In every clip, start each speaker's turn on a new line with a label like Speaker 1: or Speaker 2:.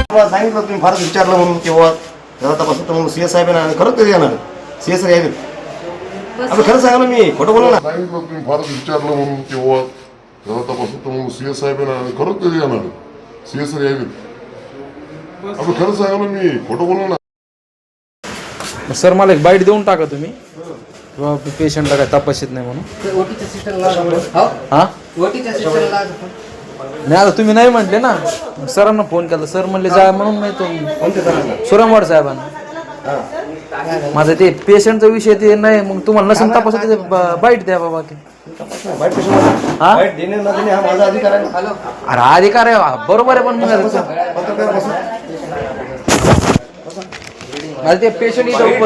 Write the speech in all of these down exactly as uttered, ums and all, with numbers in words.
Speaker 1: सांगितलं तुम्ही फारच विचारलं म्हणून किंवा जरा तपासून तर म्हणून सी एस साहेब आहे खरंच कधी येणार सी एस यायचे आपण खरं सांगा ना मी खोटं बोलू ना
Speaker 2: सांगितलं तुम्ही फारच विचारलं म्हणून किंवा जरा तपासून तर म्हणून सी एस साहेब आहे खरंच कधी येणार सी एस यायचे आपण खरं सांगा ना मी खोटं बोलू ना.
Speaker 3: सर मला एक बाईट देऊन टाका तुम्ही किंवा पेशंटला काय तपासित नाही म्हणून. हा नाही आता तुम्ही नाही म्हटले ना सरांना फोन केला सर म्हणले जा म्हणून मी तो सुरमवाड साहेबांना माझं ते पेशंटचा विषय ते नाही मग तुम्हाला नसेल तपास बाईट द्या बाबा की अरे अधिकार आहे बरोबर आहे पण मग ते पेशंट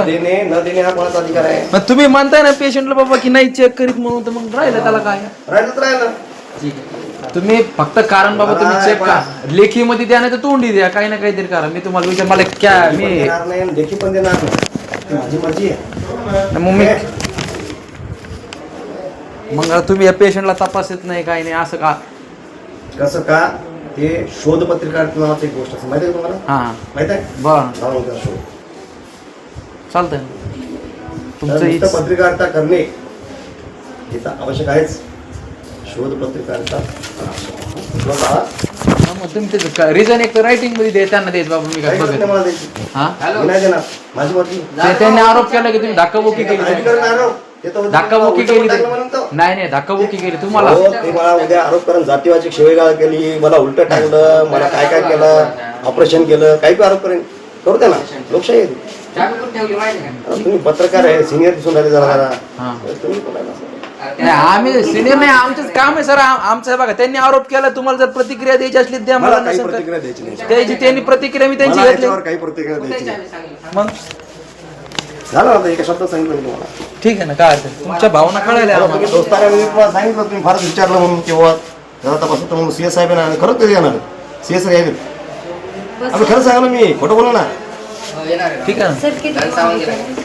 Speaker 3: मग तुम्ही म्हणताय ना पेशंटला बाबा की नाही चेक करीत म्हणून तर मग राहिलं त्याला काय
Speaker 1: राहिलं राहिलं
Speaker 3: तुम्ही फक्त कारण बाबा तुम्ही चेक का लेखी मध्ये द्या नाही तर तोंडी द्या काही ना काहीतरी करा मी तुम्हाला विचार मला क्या मी
Speaker 1: लेखी पण देणार नाही माझी मर्जी आहे
Speaker 3: मग मी मग तुम्ही या पेशंटला तपासत नाही काही नाही असं का
Speaker 1: कसं का ते शोध पत्रिका नावाची एक गोष्ट असते माहिती आहे तुम्हाला
Speaker 3: हा
Speaker 1: माहित आहे
Speaker 3: बरं
Speaker 1: शोध
Speaker 3: चालतंय
Speaker 1: तुमचं
Speaker 3: तुमचं
Speaker 1: पत्रिका करणे हे तर आवश्यक आहेच शोध पत्रिका
Speaker 3: तुम्ही रिझन एक रायटिंग मध्ये दे त्यांना द्यायचं बाबा मी काय बघत
Speaker 1: माझी मर्जी
Speaker 3: त्यांनी आरोप केला की तुम्ही धक्काबुक्की केली धक्काबुक्की केली नाही नाही धक्काबुक्की केली तुम्हाला
Speaker 1: ते मला उद्या आरोप करून जातीवाची शिवेगाळ केली मला उलट टाकलं मला काय काय केलं ऑपरेशन केलं काही आरोप करेन करू द्या ना लोकशाही आहे तुम्ही पत्रकार आहे सिनियर दिसून राहिले जरा तुम्ही
Speaker 3: नाही आम्ही सिनियर नाही आमचंच काम आहे सर आमचं बघा त्यांनी आरोप केला तुम्हाला जर प्रतिक्रिया द्यायची असली द्या मला
Speaker 1: प्रतिक्रिया द्यायची नाही
Speaker 3: त्याची त्यांनी प्रतिक्रिया मी त्यांची घेतली
Speaker 1: काही प्रतिक्रिया द्यायची नाही
Speaker 3: मग
Speaker 1: झालं आता एका शब्दात सांगितलं तुम्हाला
Speaker 3: ठीक आहे ना काय अडचण तुमच्या भावना कळायला
Speaker 1: तुम्ही दोस्तारा तुम्हाला सांगितलं तुम्ही फारच विचारलं म्हणून किंवा जरा तपासून तर म्हणून सी एस साहेब आहे खरंच कधी येणार सी एस यायचे आपण खरं सांगा ना मी खोटं बोलू ना
Speaker 3: ठीक आहे ना